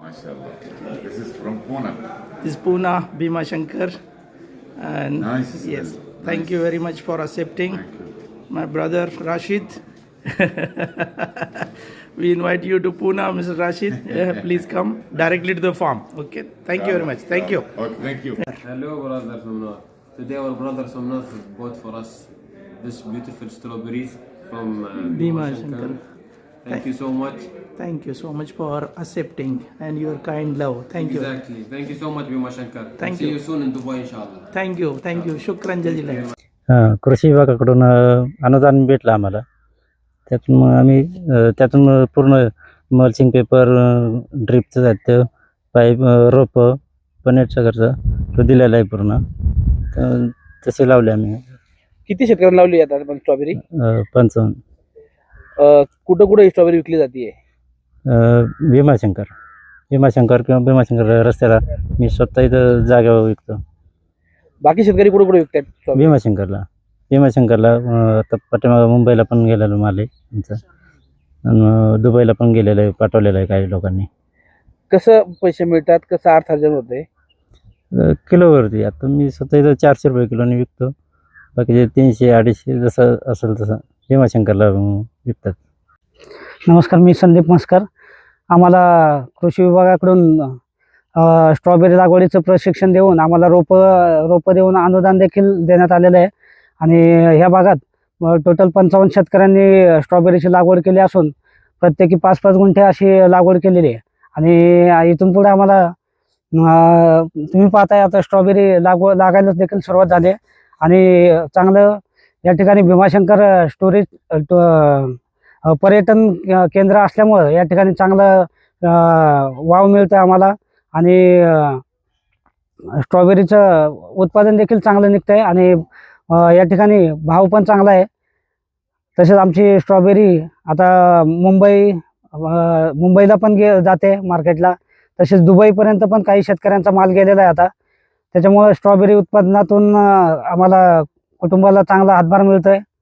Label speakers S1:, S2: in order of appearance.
S1: MashaAllah. This is from Pune.
S2: This is Pune, Bhima Shankar. And
S1: Nice.
S2: yes,
S1: Nice.
S2: thank you very much for accepting.
S1: Thank you.
S2: My brother Rashid. We invite you to Pune, Mr. Rashid. Please come directly to the farm. Okay. Thank you very much. Thank you.
S1: Okay, thank you.
S3: Hello, brother Somnath. Today, our brother Somnath has bought for us this beautiful strawberries from
S2: Bhima
S3: Bhima
S2: Shankar.
S3: Shankar. Thank you so much.
S2: Thank you so much for accepting and your kind love. Thank you.
S3: Exactly. Thank you so much, Bhima Shankar.
S2: Thank
S3: See
S2: you.
S3: you soon in Dubai, inshallah.
S2: Thank you. Thank you. Shukran jazilan.
S4: कृषी विभागाकडून अनुदान भेटलं आम्हाला. त्यातून मग आम्ही त्यातून पूर्ण मल्चिंग पेपर, ड्रिपचं साहित्य, पाईप, रोपं, पनेटचा खर्च तो दिलेला आहे पूर्ण. तसे लावले आम्ही.
S5: किती शेतकऱ्यांना लावली जातात पण स्ट्रॉबेरी?
S4: 55.
S5: कुठं कुठं स्ट्रॉबेरी विकली जाते?
S4: भीमाशंकर किंवा भीमाशंकर रस्त्याला मी स्वतः इथं जागेवर विकतो.
S5: बाकी शेतकरी कुठं कुठं विकतात स्ट्रॉबेरी?
S4: भीमाशंकरला आता पाठीमागं मुंबईला पण गेलेलं माल आहे आमचं, आणि दुबईला पण गेलेलं आहे, पाठवलेलं आहे काही लोकांनी.
S5: कसं पैसे मिळतात, कसं अर्थार्जन होते?
S4: किलोवरती. आता मी स्वतः इथं 400 रुपये किलोने विकतो. बाकीचे 300-250 जसं असेल तसं भीमाशंकरला विकतात.
S6: नमस्कार, मी संदीप मस्कर. आम्हाला कृषी विभागाकडून स्ट्रॉबेरी लागवडीचं प्रशिक्षण देऊन आम्हाला रोपं देऊन अनुदान देखील देण्यात आलेलं आहे. आणि ह्या भागात टोटल 55 शेतकऱ्यांनी स्ट्रॉबेरीची लागवड केली असून प्रत्येकी 5-5 गुंठे अशी लागवड केलेली आहे. आणि इथून पुढे आम्हाला तुम्ही पाहताय आता स्ट्रॉबेरी लागायला देखील सुरुवात झाली आहे. आणि चांगलं या ठिकाणी भीमाशंकर स्टोरेज पर्यटन केंद्र असल्यामुळं या ठिकाणी चांगलं वाव मिळतं आम्हाला. आणि स्ट्रॉबेरीचं उत्पादन देखील चांगलं निघतं आहे. आणि या ठिकाणी भाव पण चांगला आहे. तसेच आमची स्ट्रॉबेरी आता मुंबईला पण जाते मार्केटला. तसेच दुबईपर्यंत पण काही शेतकऱ्यांचा माल गेलेला आहे आता. त्याच्यामुळे स्ट्रॉबेरी उत्पादनातून आम्हाला कुटुंबाला चांगला हातभार मिळतो आहे.